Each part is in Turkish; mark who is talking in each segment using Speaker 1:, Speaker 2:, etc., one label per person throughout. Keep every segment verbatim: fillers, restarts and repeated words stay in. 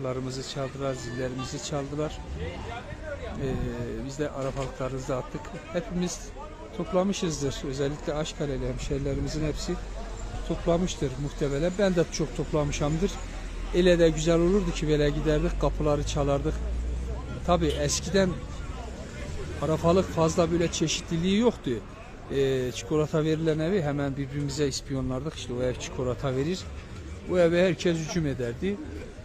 Speaker 1: Larımızı çaldılar, zillerimizi çaldılar. Ee, biz de arafalıklarımızı attık. Hepimiz toplamışızdır. Özellikle Aşkaleli hemşerilerimizin hepsi toplamıştır muhtemelen. Ben de çok toplamışamdır. Ele de güzel olurdu ki böyle giderdik, kapıları çalardık. Tabi eskiden arafalık fazla böyle çeşitliliği yoktu. Ee, çikolata verilen evi hemen birbirimize ispiyonlardık. İşte o ev çikolata verir. O eve herkes hücum ederdi.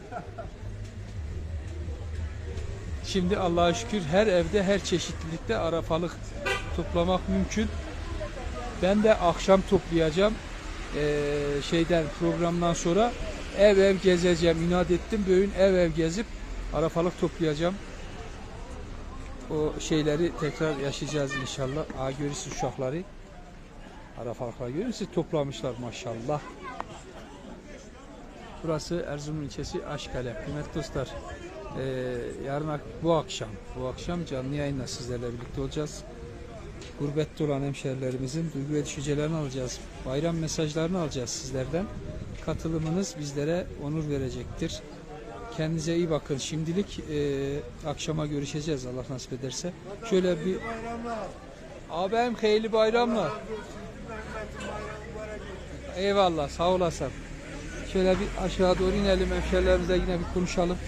Speaker 1: Şimdi Allah'a şükür her evde, her çeşitlilikte arafalık toplamak mümkün. Ben de akşam toplayacağım. Ee, şeyden programdan sonra ev ev gezeceğim. İnat ettim. Bugün ev ev gezip arafalık toplayacağım. O şeyleri tekrar yaşayacağız inşallah. Aa, görürsünüz uşakları. Arafalıklar görürsünüz. Toplamışlar maşallah. Burası Erzurum ilçesi Aşkale. Kıymetli dostlar, e, yarın bu akşam bu akşam canlı yayınla sizlerle birlikte olacağız. Gurbette olan hemşerilerimizin duygu ve düşüncelerini alacağız. Bayram mesajlarını alacağız sizlerden. Katılımınız bizlere onur verecektir. Kendinize iyi bakın. Şimdilik e, akşama görüşeceğiz Allah nasip ederse. Şöyle bir abim hayırlı bayramlar. Eyvallah, sağ olasın. Şöyle bir aşağı doğru inelim, hemşerilerimizle yine bir konuşalım.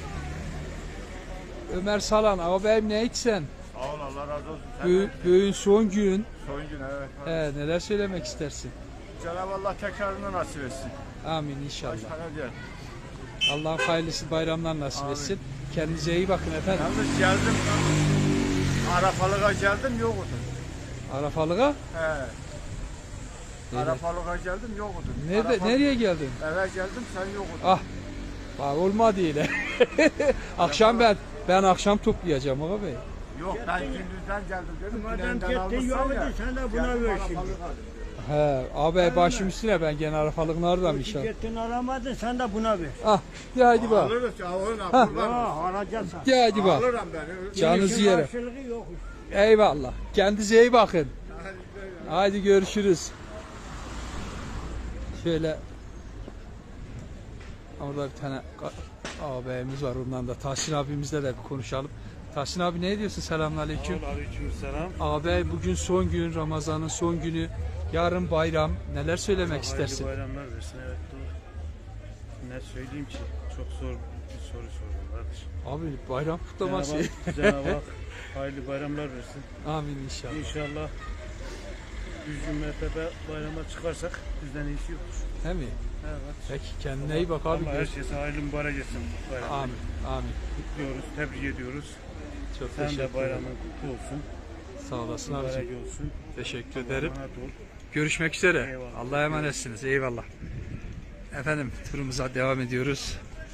Speaker 1: Ömer Salan, abim ne içsen?
Speaker 2: Sağ ol, Allah razı olsun.
Speaker 1: Bö Böğün son gün.
Speaker 2: Son gün, evet.
Speaker 1: He, neler söylemek istersin?
Speaker 2: Cenab-ı Allah tekrarını nasip etsin.
Speaker 1: Amin inşallah.
Speaker 2: Başka ne diyelim?
Speaker 1: Allah'ın hayırlısı bayramlar nasip
Speaker 2: Amin.
Speaker 1: etsin. Kendinize iyi bakın efendim.
Speaker 2: Yalnız geldim, Arafalık'a geldim, yoktu.
Speaker 1: Arafalık'a?
Speaker 2: He. Arafalık'a geldim, yoktu.
Speaker 1: Nerede,
Speaker 2: Arafalık...
Speaker 1: nereye geldin?
Speaker 2: Eve geldim, sen yoktu.
Speaker 1: Ah, bak olmadı yine. Akşam ben, ben akşam toplayacağım abi.
Speaker 2: Yok, ben gündüzden geldim dedim.
Speaker 3: Madem gitti yoktu, sen de buna ver şimdi.
Speaker 1: He, abi başım üstüne ben gene arafalık nereden inşallah.
Speaker 3: Gittin aramadın, sen de buna ver.
Speaker 1: Ah, de hadi bak.
Speaker 2: Alırız ya, alırım.
Speaker 1: Ha.
Speaker 2: Kurban.
Speaker 3: Ha, alacaksın.
Speaker 1: De hadi bak.
Speaker 2: Alırım beni.
Speaker 1: Canınızı
Speaker 3: İşin
Speaker 1: yerim.
Speaker 3: karşılığı yok.
Speaker 1: Eyvallah. Kendinize iyi bakın. Haydi görüşürüz. Şöyle orada bir tane ağabeyimiz var, ondan da Tahsin abimizle de bir konuşalım. Tahsin abi ne diyorsun? Selamünaleyküm.
Speaker 4: Aleykümselam.
Speaker 1: Ağabey bugün son gün, Ramazan'ın son günü. Yarın bayram. Neler söylemek
Speaker 4: Hayırlı
Speaker 1: istersin?
Speaker 4: bayramlar versin, evet doğru. Ne söyleyeyim ki? Çok zor bir soru sordum kardeşim.
Speaker 1: Abi bayram kutlaması.
Speaker 4: Cenab-ı Hak, Cenab-ı Hak hayırlı bayramlar versin.
Speaker 1: Amin inşallah.
Speaker 4: İnşallah yüz mertebe bayrama çıkarsak bizden iyisi yoktur.
Speaker 1: Değil mi?
Speaker 4: Evet.
Speaker 1: Peki kendine iyi bak abi.
Speaker 4: Allah herkese hayırlı mübarek etsin bayramı.
Speaker 1: Amin. Amin.
Speaker 4: Kutluyoruz, tebrik ediyoruz.
Speaker 1: Çok
Speaker 4: Sen
Speaker 1: teşekkür
Speaker 4: de
Speaker 1: ederim.
Speaker 4: bayramın kutlu olsun.
Speaker 1: Sağ olasın
Speaker 4: Mübarek
Speaker 1: abicim.
Speaker 4: olsun.
Speaker 1: Teşekkür
Speaker 4: Allah'a
Speaker 1: ederim.
Speaker 4: emanet ol.
Speaker 1: Görüşmek üzere.
Speaker 4: Eyvallah.
Speaker 1: Allah'a emanetsiniz. Eyvallah. Efendim turumuza devam ediyoruz.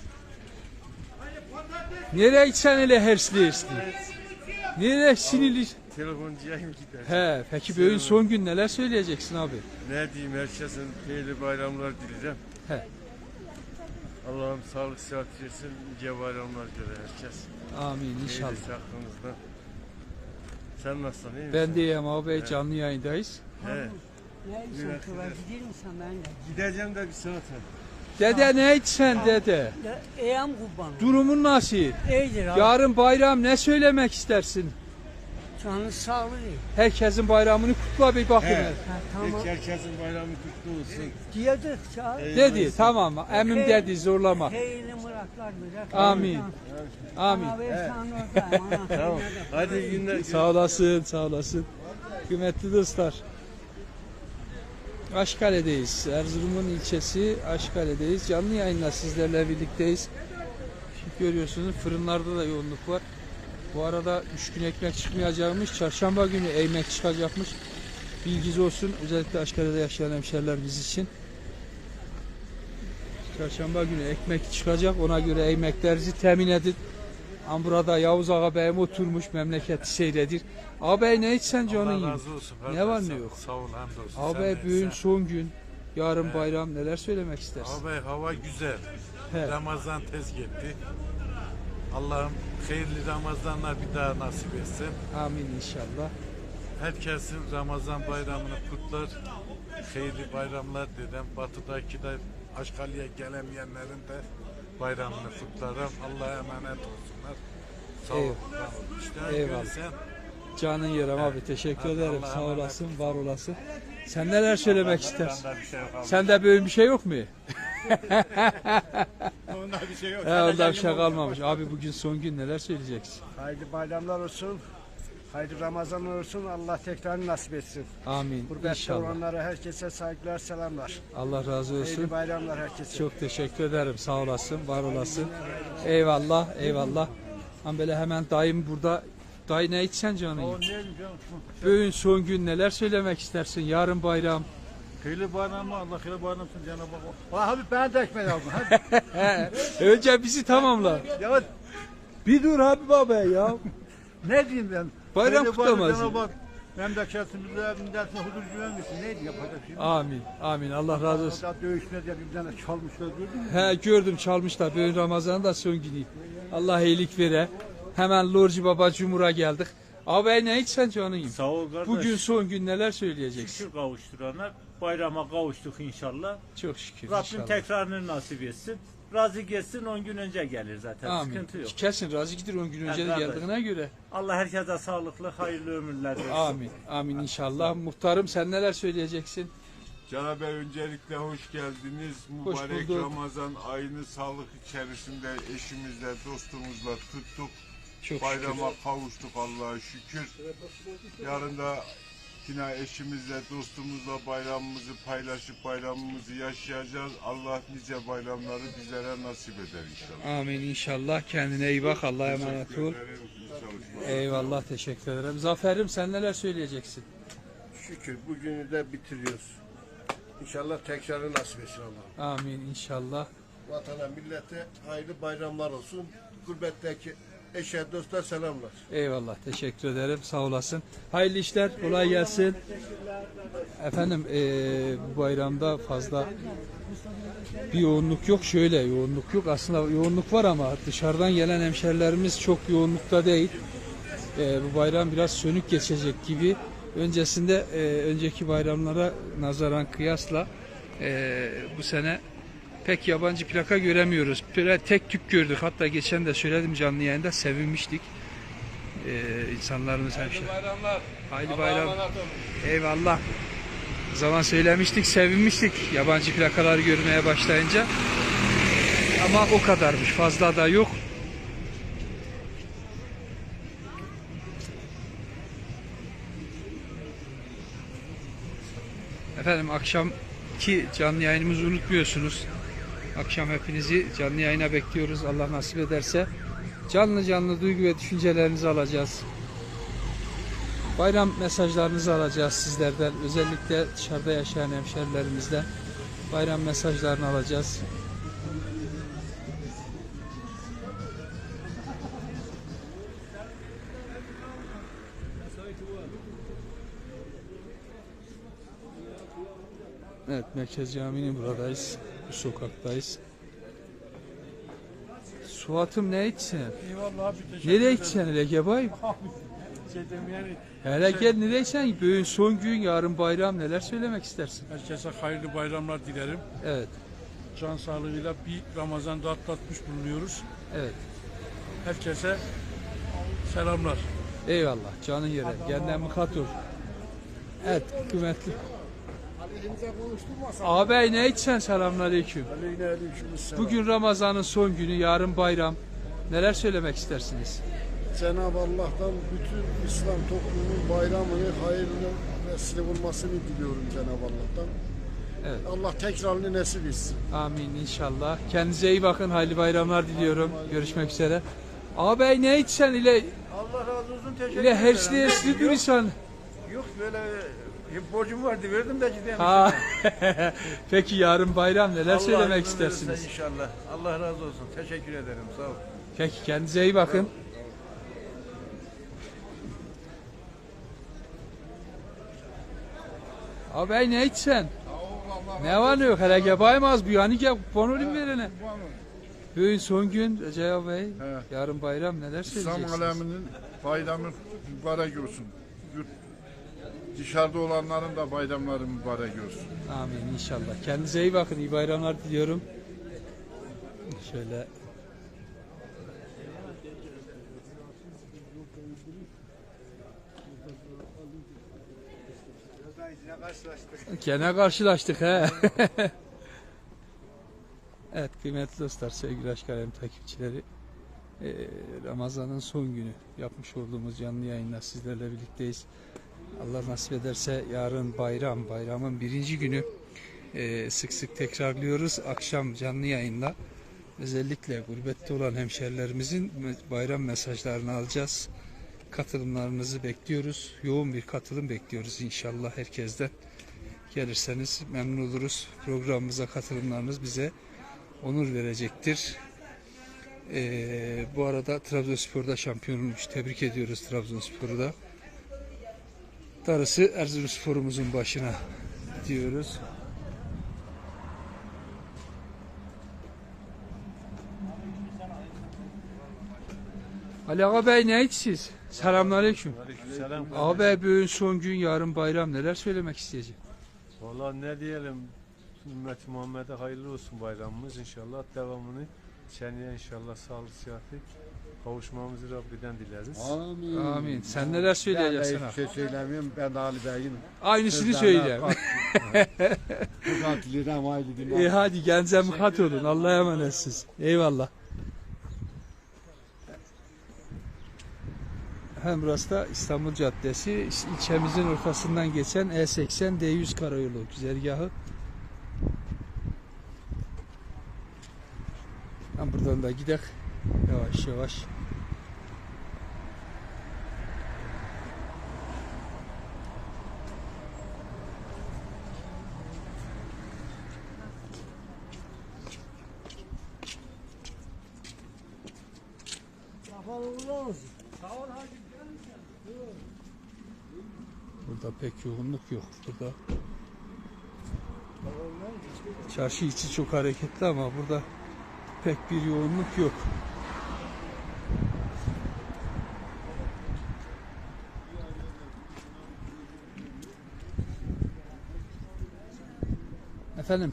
Speaker 1: Nereye gitsen öyle hersli hersli? Nereye sinirli?
Speaker 2: Telefoncuya mı gider?
Speaker 1: He, peki böyle son gün neler söyleyeceksin abi?
Speaker 2: Ne diyeyim, herkesin hayırlı bayramlar dileyeceğim.
Speaker 1: He.
Speaker 2: Allah'ım sağlık sıhhat versin, nice bayramlar göre herkes.
Speaker 1: Amin inşallah.
Speaker 2: İyisi aklınızda. Sen nasılsın, iyi misin?
Speaker 1: Ben diyeyim abi, canlı yayındayız.
Speaker 2: He.
Speaker 3: Ne
Speaker 2: Evet,
Speaker 3: istiyorsun?
Speaker 2: evet.
Speaker 3: Gider misin ben de?
Speaker 2: Gideceğim de bir saate.
Speaker 1: Dede ne içsen dede?
Speaker 3: Ya, Eyam kurban.
Speaker 1: Durumun nasıl?
Speaker 3: İyidir abi.
Speaker 1: Yarın bayram, ne söylemek istersin?
Speaker 3: Canın sağlığı.
Speaker 1: Herkesin bayramını kutla bir bakın.
Speaker 2: He.
Speaker 3: Ha, tamam.
Speaker 2: Herkesin bayramı kutlu olsun.
Speaker 3: Diyorduk ya.
Speaker 1: Dedi tamam, emim dedi zorlama.
Speaker 3: Hayırlı muratlar güzel.
Speaker 1: Amin. Amin.
Speaker 3: Ana ver sen oradayım, ana.
Speaker 2: Tamam. Hadi iyi günler.
Speaker 1: Sağ olasın, sağ olasın. Kıymetli dostlar. Aşkale'deyiz. Erzurum'un ilçesi Aşkale'deyiz. Canlı yayınla sizlerle birlikteyiz. Şimdi görüyorsunuz fırınlarda da yoğunluk var. Bu arada üç gün ekmek çıkmayacakmış. Çarşamba günü ekmek çıkacakmış. Bilginiz olsun. Özellikle Aşkale'de yaşayan hemşeriler biz için. Çarşamba günü ekmek çıkacak. Ona göre ekmeklerinizi temin edin. Ama burada Yavuz ağabeyim oturmuş, memleketi seyredir. Ağabey ne içsen canın
Speaker 4: Allah
Speaker 1: yiyin.
Speaker 4: razı olsun.
Speaker 1: Ne var ne yok?
Speaker 4: Sağ ol, hamdolsun.
Speaker 1: Ağabey
Speaker 4: Sen
Speaker 1: bugün
Speaker 4: neysen.
Speaker 1: son gün. Yarın bayram, neler söylemek istersin?
Speaker 4: Ağabey hava güzel.
Speaker 1: He.
Speaker 4: Ramazan tez gitti. Allah'ım hayırlı Ramazanlar bir daha nasip etsin.
Speaker 1: Amin inşallah.
Speaker 4: Herkesin Ramazan bayramını kutlar. Hayırlı bayramlar dedim. Batı'daki de Aşkale'ye gelemeyenlerin de bayramını kutlarım. Allah'a emanet olsunlar. Sağ ol.
Speaker 1: Eyvallah.
Speaker 4: var ol. İşte
Speaker 1: Eyvallah.
Speaker 4: görürsen
Speaker 1: Canın yerim abi, teşekkür
Speaker 4: Hadi
Speaker 1: ederim.
Speaker 4: Allah'a
Speaker 1: Sağ
Speaker 4: emanet
Speaker 1: olasın, var olasın. Sen neler söylemek istersin?
Speaker 2: Bende bir şey yok abi.
Speaker 1: Sende böyle bir şey yok mu?
Speaker 2: Onda bir şey yok.
Speaker 1: He, onda bir şey kalmamış. Abi bugün son gün, neler söyleyeceksin?
Speaker 5: Hayırlı bayramlar olsun. Hayırlı Ramazanlar olsun. Allah tekrar nasip etsin.
Speaker 1: Amin.
Speaker 5: Gurbette
Speaker 1: İnşallah.
Speaker 5: olanlara herkese saygılar, selamlar.
Speaker 1: Allah razı
Speaker 5: Hayırlı
Speaker 1: olsun.
Speaker 5: bayramlar herkese.
Speaker 1: Çok teşekkür ederim. Sağ olasın, var olasın. Eyvallah, eyvallah. Ama böyle hemen dayım burada. Dayı ne içsen canım? Bugün son gün, neler söylemek istersin? Yarın bayram.
Speaker 4: hayırlı bayramlar. Allah hayırlı bayramsın Cenab-ı Hak.
Speaker 5: Ulan abi ben de ekmek aldım. Hadi.
Speaker 1: Önce bizi tamamla.
Speaker 5: Ya
Speaker 1: Bir dur Habib abi ya.
Speaker 5: ne diyeyim ben?
Speaker 1: Bayram
Speaker 5: Hayırlı bayram
Speaker 1: kutlaması.
Speaker 5: Cenab-ı Hak memleketimize, milletine huzur güven versin. Neydi yapacak şimdi?
Speaker 1: Amin, amin. Allah razı olsun.
Speaker 5: Orada dövüşme diye bir tane çalmışlar gördün mü?
Speaker 1: He, gördüm, çalmışlar. Bugün Ramazan'ın da son günü. Allah iyilik vere. Hemen Lorci Baba Cumhur'a geldik. Abi ne içsen canım?
Speaker 6: Sağ ol kardeş.
Speaker 1: Bugün son gün, neler söyleyeceksin?
Speaker 6: şükür kavuşturana bayrama kavuştuk inşallah.
Speaker 1: Çok şükür.
Speaker 6: Rabbim
Speaker 1: inşallah.
Speaker 6: tekrarını nasip etsin. Razı geçsin on gün önce gelir zaten.
Speaker 1: Amin.
Speaker 6: Sıkıntı yok.
Speaker 1: Kesin razı gidir on gün önce de
Speaker 6: Evet, kardeş.
Speaker 1: geldiğine göre.
Speaker 6: Allah herkese sağlıklı, hayırlı ömürler versin.
Speaker 1: Amin. Amin inşallah. Muhtarım, sen neler söyleyeceksin?
Speaker 2: Cenab-ı Bey, öncelikle hoş geldiniz.
Speaker 1: Hoş
Speaker 2: Mübarek
Speaker 1: bulduk.
Speaker 2: Ramazan ayını sağlık içerisinde eşimizle, dostumuzla tuttuk.
Speaker 1: Çok
Speaker 2: Bayrama kavuştuk Allah'a şükür. Yarın da yine eşimizle, dostumuzla bayramımızı paylaşıp bayramımızı yaşayacağız. Allah nice bayramları bizlere nasip eder inşallah.
Speaker 1: Amin inşallah. Kendine iyi bak. Allah'a emanet ol.
Speaker 2: Teşekkür ederim. İyi çalışmalar.
Speaker 1: Eyvallah, teşekkür ederim. Zafer'im, sen neler söyleyeceksin?
Speaker 5: Şükür bugünü de bitiriyoruz. İnşallah tekrarı nasip etsin Allah.
Speaker 1: Amin inşallah.
Speaker 5: Vatana, millete hayırlı bayramlar olsun. Gurbetteki eşe, dostlar selamlar.
Speaker 1: Eyvallah, teşekkür ederim. Sağ olasın. Hayırlı işler, kolay gelsin. Efendim, eee, bu bayramda fazla bir yoğunluk yok. Şöyle yoğunluk yok. Aslında yoğunluk var ama dışarıdan gelen hemşerilerimiz çok yoğunlukta değil. Eee, bu bayram biraz sönük geçecek gibi. Öncesinde, eee, önceki bayramlara nazaran kıyasla eee, bu sene pek yabancı plaka göremiyoruz. Böyle tek tük gördük. Hatta geçen de söyledim canlı yayında, sevinmiştik. Ee, insanlarımız hemşire. Hayırlı bayram. Eyvallah. O zaman söylemiştik, sevinmiştik yabancı plakaları görmeye başlayınca. Ama o kadarmış. Fazla da yok. Efendim, akşamki canlı yayınımızı unutmuyorsunuz. Akşam hepinizi canlı yayına bekliyoruz. Allah nasip ederse canlı canlı duygu ve düşüncelerinizi alacağız. Bayram mesajlarınızı alacağız sizlerden. Özellikle dışarıda yaşayan hemşerilerimizden bayram mesajlarını alacağız. Evet, Merkez Camii'nin buradayız. Bu sokaktayız. Suat'ım ne içsen?
Speaker 4: Eyvallah abi, teşekkür
Speaker 1: Nereye
Speaker 4: ederim.
Speaker 1: içsen hele gebay?
Speaker 4: Şey diyeyim yani,
Speaker 1: Hele gel, nereye içsen? Bugün son gün, yarın bayram, neler söylemek istersin?
Speaker 4: herkese hayırlı bayramlar dilerim.
Speaker 1: Evet,
Speaker 4: Can sağlığıyla bir Ramazan'da atlatmış bulunuyoruz.
Speaker 1: evet.
Speaker 4: Herkese selamlar.
Speaker 1: Eyvallah, canın yere. Kendine mıkat ol. Evet, kıymetli. Ağabey ne içsen? Selamünaleyküm. Bugün Ramazan'ın son günü, yarın bayram. Neler söylemek istersiniz?
Speaker 7: Cenab-ı Allah'tan bütün İslam toplumunun bayramını hayırlı vesile olmasını diliyorum Cenab-ı Allah'tan.
Speaker 1: Evet.
Speaker 7: Allah tekrarını nasip etsin.
Speaker 1: Amin inşallah. Kendinize iyi bakın. Hayırlı bayramlar diliyorum. Görüşmek üzere. Ağabey ne içsen ile
Speaker 5: Allah razı olsun, teşekkür
Speaker 1: ile hersli hersli dur insan.
Speaker 5: Yok böyle bir borcum vardı, verdim de gideyim.
Speaker 1: Ha. Peki yarın bayram, neler
Speaker 5: Allah
Speaker 1: söylemek
Speaker 5: izin verirse
Speaker 1: istersiniz?
Speaker 5: İnşallah. Allah razı olsun. Teşekkür ederim. Sağ ol.
Speaker 1: Peki, kendinize iyi bakın. Ağabey ne içsen? Ne var ne yok? Hele gebaymaz bu yani, gel kupon olayım verene. Bugün son gün Recep Bey. Yarın bayram, neler
Speaker 7: İslam
Speaker 1: söyleyeceksiniz?
Speaker 7: aleminin bayramı mübarek olsun. Yurt dışarıda olanların da bayramları mübarek olsun.
Speaker 1: Amin inşallah. Kendinize iyi bakın. İyi bayramlar diliyorum. Şöyle gene karşılaştık he. Evet kıymetli dostlar, sevgili Aşk Alem takipçileri, ee, Ramazan'ın son günü yapmış olduğumuz canlı yayınla sizlerle birlikteyiz. Allah nasip ederse yarın bayram, bayramın birinci günü ee, sık sık tekrarlıyoruz. Akşam canlı yayınla özellikle gurbette olan hemşerilerimizin bayram mesajlarını alacağız. Katılımlarınızı bekliyoruz. Yoğun bir katılım bekliyoruz inşallah herkesten. Gelirseniz memnun oluruz. Programımıza katılımlarınız bize onur verecektir. Ee, bu arada Trabzonspor'da şampiyon olmuş. Tebrik ediyoruz Trabzonspor'u da. Darısı Erzurumspor'umuzun başına diyoruz. Ali Ağa Bey ne siz? Selamünaleyküm.
Speaker 4: Selam.
Speaker 1: Ağa Bey bugün son gün, yarın bayram, neler söylemek isteyeceğim?
Speaker 4: Valla ne diyelim, ümmet Muhammed'e hayırlı olsun bayramımız, inşallah devamını seneye inşallah sağlık sıhhati kavuşmamızı Rabbiden dileriz.
Speaker 7: Amin.
Speaker 1: Amin. Sen neler söyleyeceksin?
Speaker 7: Ben de hiçbir şey söylemiyorum. Ben de Ali Bey'in.
Speaker 1: Aynısını söyle.
Speaker 7: Bu katilinden haydi
Speaker 1: İyi
Speaker 7: dinle.
Speaker 1: hadi kendinize mukat olun. Allah'a emanetsiniz. Eyvallah. Hem burası da İstanbul Caddesi, ilçemizin ortasından geçen E seksen D yüz karayolu güzergahı. Hem buradan da gidelim yavaş yavaş. Burada pek yoğunluk yok. Burada çarşı içi çok hareketli ama burada pek bir yoğunluk yok. Efendim,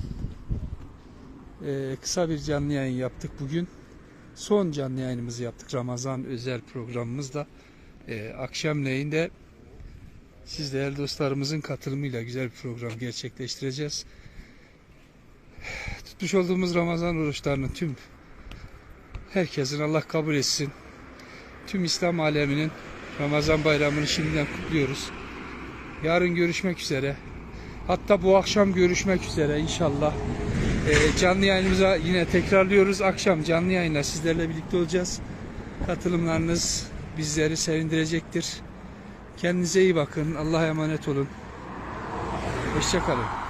Speaker 1: e, kısa bir canlı yayın yaptık bugün. Son canlı yayınımızı yaptık Ramazan özel programımızda. E, akşamleyin de siz değerli dostlarımızın katılımıyla güzel bir program gerçekleştireceğiz. Tutmuş olduğumuz Ramazan oruçlarının tüm herkesin Allah kabul etsin. Tüm İslam aleminin Ramazan bayramını şimdiden kutluyoruz. Yarın görüşmek üzere. Hatta bu akşam görüşmek üzere inşallah. Ee, canlı yayınımıza yine tekrarlıyoruz. Akşam canlı yayınla sizlerle birlikte olacağız. Katılımlarınız bizleri sevindirecektir. Kendinize iyi bakın. Allah'a emanet olun. Hoşça kalın.